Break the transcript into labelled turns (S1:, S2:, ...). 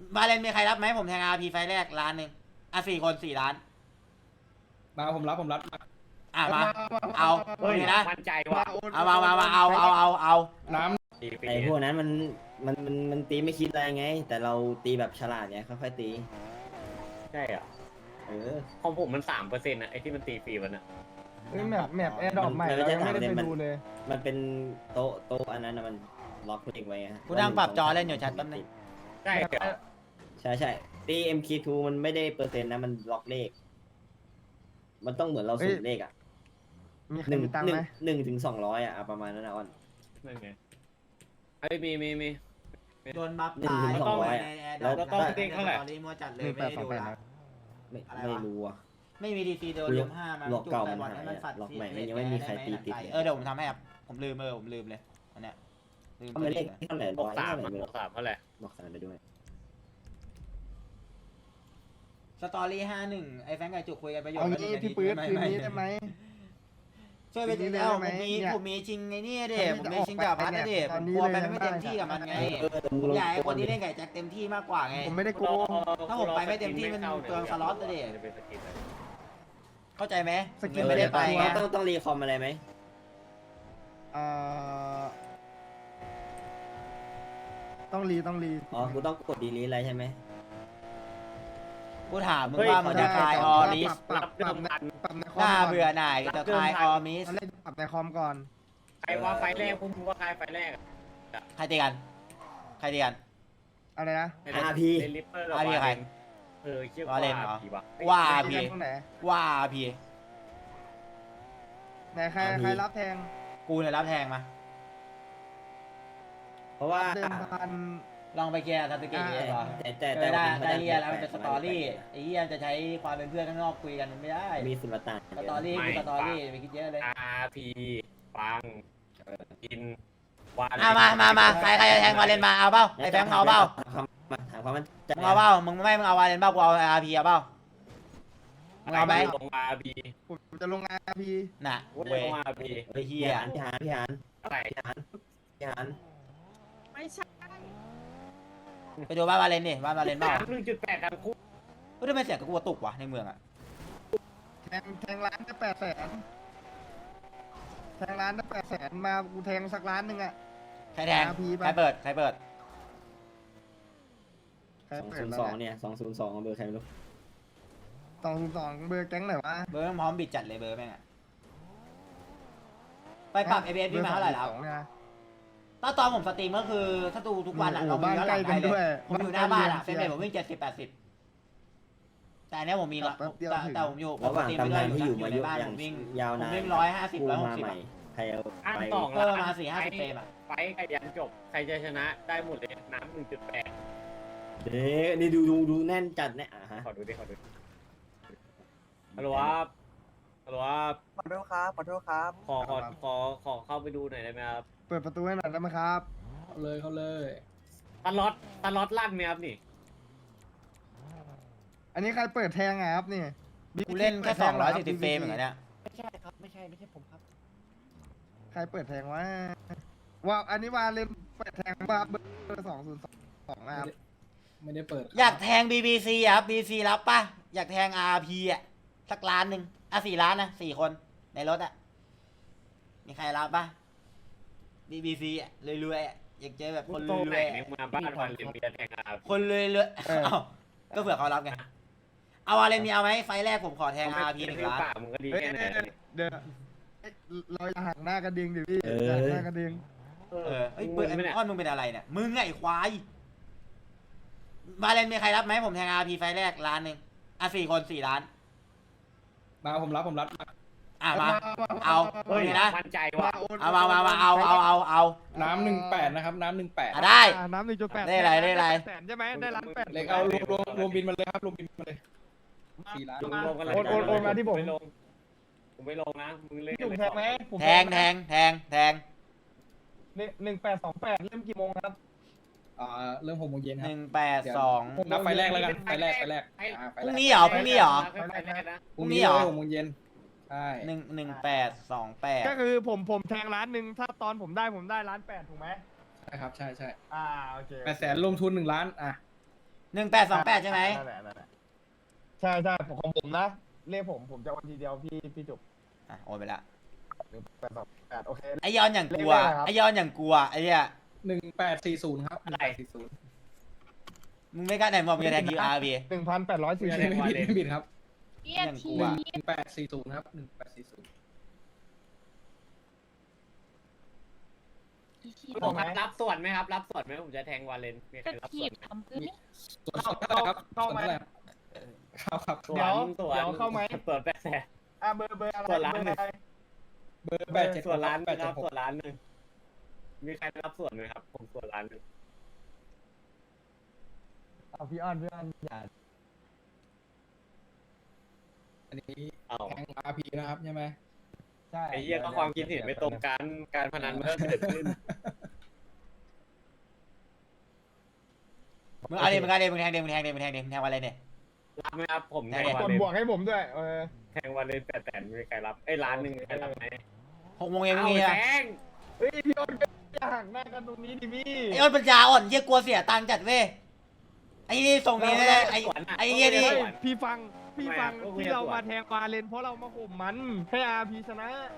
S1: บาเลนมีใครรับไหมผมแทงอาร์พีไฟแรกล้านหนึ่งอ่ะ4 คน4 ล้าน
S2: มาผมรับ
S1: อ่ะมาเอาโอเคนะ
S3: มั่นใจว่ะ
S1: เอามาเอา
S2: น้
S4: ไอ้พวกนั้นมันตีไม่คิดอะไรไง แต่เราตีแบบฉลาดไงค่อยๆตี
S3: ใช่อ่ะ
S4: เออ
S3: ของผมมัน3%นะไอ้ที่มันตีฟรีมันอ่ะ
S5: แมปแอร์ดรอปใหม่เรายังไม่ได้ไปดูเลย
S4: มันเป็นโต๊ะอันนั้นนะมันล็อกเลขไว้ฮะ
S1: กูนั่งปรับจอเล่นอยู่ชัดแป๊บนึง
S3: ใช่เหรอ
S4: ใช่ตี MK2 มันไม่ได้เปอร์เซ็นต์นะมันล็อกเลข มันต้องเหมือนเราสุ่มเลขอ่ะ
S5: มีใคร
S4: หนึ่ง
S5: มีตังค์ไหม
S4: ถึง200อ่ะประมาณนั้นนะอ้อน
S3: นั่นไงไอ้มี
S1: โดนบัฟ
S4: 1 ถึง 200อ่ะ
S3: แล้วต้องเด้งเท่าไหร่
S1: ตอนนี้มัวจัดเลย
S5: หนึ่ง
S1: ไม่
S5: แปด
S1: ได้
S5: สอง
S1: ดู
S5: แปด
S1: ละ
S5: นะ
S4: ไม่รู้อ่ะ
S1: ไม่มีดีซีโดนลุม5มัน
S4: หลอกเก่า
S1: จุ
S4: มัน
S1: ให้
S4: หาย
S1: ฝัด
S4: หลอกใหม่มันยังไม่มีใครตีติดเลย
S1: เดี๋ยวผมทำให้ครับผมลืมเลยอันเนี้ยลืม
S4: เขาไม่เลขเท่าไหร่
S3: บ
S4: ร้
S3: ว
S4: อก ย
S3: สาม
S4: เท่าไหร่ไม่
S3: บ
S4: รู้
S3: วก3เท่าไหร่
S4: บอก3ไปด้วย
S1: สตอรี่51ไอ้แฟงกับจุกคุยกันประโยชน์
S5: เอางี้พี่ปื๊ดคืนนี้ได้ไหม
S1: ช่วยไปติดแล้วผมมีชิงไงนี่เด็ผมมีชิงกับพัดนะเด็ผมกลัวไปไม่เต็มที่กับมันไงผมอยากให้คนที่เล่นไก่แจ็คเต็มที่มากกว่าไง
S5: ผมไม่ได้โกง
S1: ถ้าผมไปไม่เต็มที่มันเปลืองสล็อตนะเด็
S3: จะเป็นสกินอะไร
S1: เข้าใจไหม
S5: สกิน
S1: ไม่ได้ไปไง
S4: ต้องรีคอมอะไรไหม
S5: เอ่อต้องรี
S4: อ๋อกูต้องกดดีลีอะไรใช่ไหม
S1: กูถามมึงว่ามึงจะคลายออลิส
S5: ปรับในคอม
S1: หน้าเบื่อหน่ายจะคลายออมิส
S5: ตอนแรกปรับในคอมก่อน
S3: ใครว่าไฟแรกพวกมึงว่าใครไฟแรก
S1: ใครตีกัน
S5: อะไรนะ
S4: RP
S3: เล่นลิปเปอร์
S1: RP ใคร
S3: เชื่อ
S1: ว่าเล่นเหรอ
S3: ผีวะ
S1: ว่า
S5: ตี
S1: พี
S5: กันตรงไหน
S1: ว่าพี
S5: ไหนใครรับแทง
S1: กูเนี่ยรับแทงมา
S4: เพราะว่า
S5: เดิมพัน
S1: ลองไปเคลียร์ทัตเกะได้ปะ
S4: แต่
S1: ได้เรียแล้วมันเป็นสตอรี่ไอ้เหี้ยจะใช้ความเป็นเพื่อนข้างนอกคุยกันมันไม่ได้
S4: มีสุลต่าน
S1: สตอรี่คือสตอรี่ไปคิดเยอะเลย
S3: RP ฟังกินวา
S1: มาใครจะแทงวาเลนมาเอาเปล่าไอ้แฟงเอาเปล่า
S4: ถามความมัน
S1: มึงเอาเปล่ามึงเอาวาเลนเปล่ากูเอาอาร์พีเอาเปล่ามึงเอาไหม
S3: ลง RP
S5: ผมจะลง RP
S1: น่ะ
S3: ว่า
S1: เว้
S3: จะ
S1: ย
S3: ลง RP
S1: ไอ้เหี้ย
S4: พี่หาน
S3: อะไร
S1: ไปดูบ้านวาเลนดิบ้านวาเลนเปล่า
S3: 1.8ดังคู่
S1: เฮ้ยทำไมเสียงกับกูตกวะในเมืองอ่ะ
S5: แทงร้านได้800,000แทงร้านได้800,000มากูแทงสักล้านหนึ่งอะ
S1: ใครแทง
S5: RP
S1: ใครเปิด
S5: ใครเปิดแล้ว
S4: 202เนี่ย202เบอร์ใครไม่รู้
S5: 202เบอร์แก๊งไหนวะ
S1: เบอร์พร้อมบิดจัดเลยเบอร์แม่งอะไปปรับ ABS พี่มาเท่าไหร่แล้ว
S5: เนี่ย
S1: ตอนผมสตรีมก็คือถ้าดูทุกวันอะเรามีย้อนหลังได้เลยผมอยู่หน้าบ้านอะเฟรมเรทผมวิ่ง70-80แต่อันเนี้ยผมมีละแต่ผมอยู่
S4: ระหว่างตำนานที่อยู่
S1: ใน
S4: มาเยอะ
S1: บ้าน
S4: อ
S1: ผ
S4: ย่าง
S1: มวิ่ง
S4: ยาวนาน
S1: วิ่ง150
S4: มา
S1: 160
S4: ใหม่ใครเอา
S3: อัน
S4: ไป
S3: 2
S1: เพิ่มมา4-50 เฟรมอะ
S3: ไฟกับยันจบใครจะชนะได้หมดเลยน้ำ 1.8
S4: เด้นี่ดูแน่นจัดเนี่ยฮะ
S3: ขอดูดิฮัลโหลครับฮัลโหลครับ
S6: ขอโทษครับ
S3: ขอเข้าไปดูหน่อยได้ไหมครับ
S5: เปิดประตูให้หน่อยได้ไหมครับ
S2: เขาเลย
S3: ตลอดลั่นไหมครับนี่
S5: อันนี้ใครเปิดแทงอะครับนี่
S1: กูเล่นแค่240 เฟรมเหมือนกันเนี่ย
S6: ไม่ใช่ครับ ไม่ใช่ผมครับ
S5: ใครเปิดแทงวะว่าอันนี้ว่าเล่นเปิดแทงว่าเบอร์202นะครับ
S2: ไม่ได้เปิด
S1: อยากแทง BBC อะครับ BBC รับป่ะอยากแทง RP อะสักล้านหนึ่ง4 ล้านนะ4 คนในรถอะมีใครรับป่ะ BBC อะรวยๆอะอยากเจอแบบคน
S3: โต
S1: ร
S3: ไหน
S1: วยๆ
S3: ใน
S1: อะ
S3: เมืองบ้านวันเรียนมีแต่แทงอา
S1: คนรวยๆเอ้าก็เผื่อเขารับไงเอาอะไรมีเอาไหมไฟแรกผมขอแทง RP 1 ล้าน
S3: ป่ามึงก็ดี
S5: เฮ้ย
S3: แค่ไหน
S5: เดี๋ยวเราอย่าหักหน้ากันดิงดิพี่อย่าหักหน้ากันดิง
S1: เอ้ยเปิดไอ้อ้อนมึงเป็นอะไรเนี่ยมึงไงไอ้ควายบาเลนมีใครรับไหมผมแทง RP ไฟแรกล้านหนึ่ง4 คน4 ล้าน
S2: มาผมรับ
S1: มาเอา
S3: เฮ้ย
S1: โอเคนะ
S3: มั่นใจว่ะ
S1: เอาเอา
S2: น้ำ18นะครับน้ำ18
S1: ได้
S5: น้ำ1.8
S1: ได้ไร
S5: แสนใช่ไหมได้ล้าน8
S2: เล็กเอารวมบินมาเลยครับรวมบินมาเลย4 ล้าน
S3: รวมกันเลย
S5: โอนมาที่ผม
S3: ผมไม่ลงนะมึงเล่น
S5: จุ่มแทงไหม
S1: แทง
S5: 1828เริ่มกี่โมงครับ
S2: เริ่ม6 โมงเย็นครับ
S1: 182
S2: นับไฟแรกแล้วกันไฟแรก
S1: พรุ่งนี้เหรอ
S2: 6 โมงเย็นใช่
S1: 1828
S5: ก็คือผมแทงล้านหนึ่งถ้าตอนผมได้ล้าน8ถูกไหม
S2: ใช่ครับใช่
S5: โอเค
S2: 800,000ลงทุน1 ล้าน
S1: 1828ใช่ไหม
S5: นั่นแหละใช่ใช่ของผมนะเลขผมจะโอนทีเดียวพี่จุก
S1: อ่ะโอนไปละ
S5: 1828โอเค
S1: ไอยอนอย่างกลัว
S5: เลขอะไรครับ
S1: ไอยอนอย่างกลัวไอ้เนี่ย
S2: 1840ครับ
S3: อะไร
S1: มึงไม่กล้าไหนบอกมึงจะแทง QRP
S5: 1,840
S2: ไม่ผิดครับ
S1: อย่างกลัว
S2: 1840ครับ1840
S3: ผมรับส่วนไหมครับ รับส่วนไหมผมจะแทงวาเลนมีใครรับส่วนไหม
S2: ส่วนเท่าไหร่ครับส่วนเท่าไหร่ครับ
S3: ส่วน
S5: เดี๋ยว
S3: ส่วน
S5: เดี๋ยวเข้าไหม
S3: ส่วน800,000
S5: เบอร์อะไร
S3: ส่วนล้าน
S5: เบอร์อะไร
S2: เบอร์87
S3: ส่วนล้านหนึงครับ
S2: 876
S3: ส่วนล้านหนึ่งมีใครรับส่วนไหมครับ ผมส่วนล้านหนึ่ง
S5: เอาพี่อ้อนอย่า
S2: อันนี้
S3: เอา
S2: แทง RP นะครับใช่ไหม
S5: ใช่
S3: ไอ้เหี้ยก็ความคิดเห็นไม่ตรงกันการพนันมันก็เกิดขึ้น
S1: มึงเอาดิมึงเอาดิมึงแทงดิมึงแทงดิมึงแทงดิมึงแทงอะไรเนี่ย
S3: รับไหมครับผมแทง
S1: ได้
S3: วาก
S5: ด
S3: เลน
S5: บวกให้ผมด้วย
S3: แทงวาเลน800,000มีใครรับไอ้ยล้านหนึ่งมีใครรับไหม
S1: 6 โมงเย็น
S3: เอา
S1: มึงมี
S3: แท
S1: อะ
S3: ง
S5: เฮ้ยพี่อ้อนอย่าหักหน้ากันตรงนี้ดิพี่
S1: ไอ้อ้นปัญญาอ่อนเยี่ยกลัวเสียตังค์จัดเว้ยไอ้นี่ส่งนี้ไม่ได้ไอ้เยี่ยนี่
S5: พี่ฟังที่เรามาแทงวาเลนเพราะเรามาข่มมันให้อาพีชนะ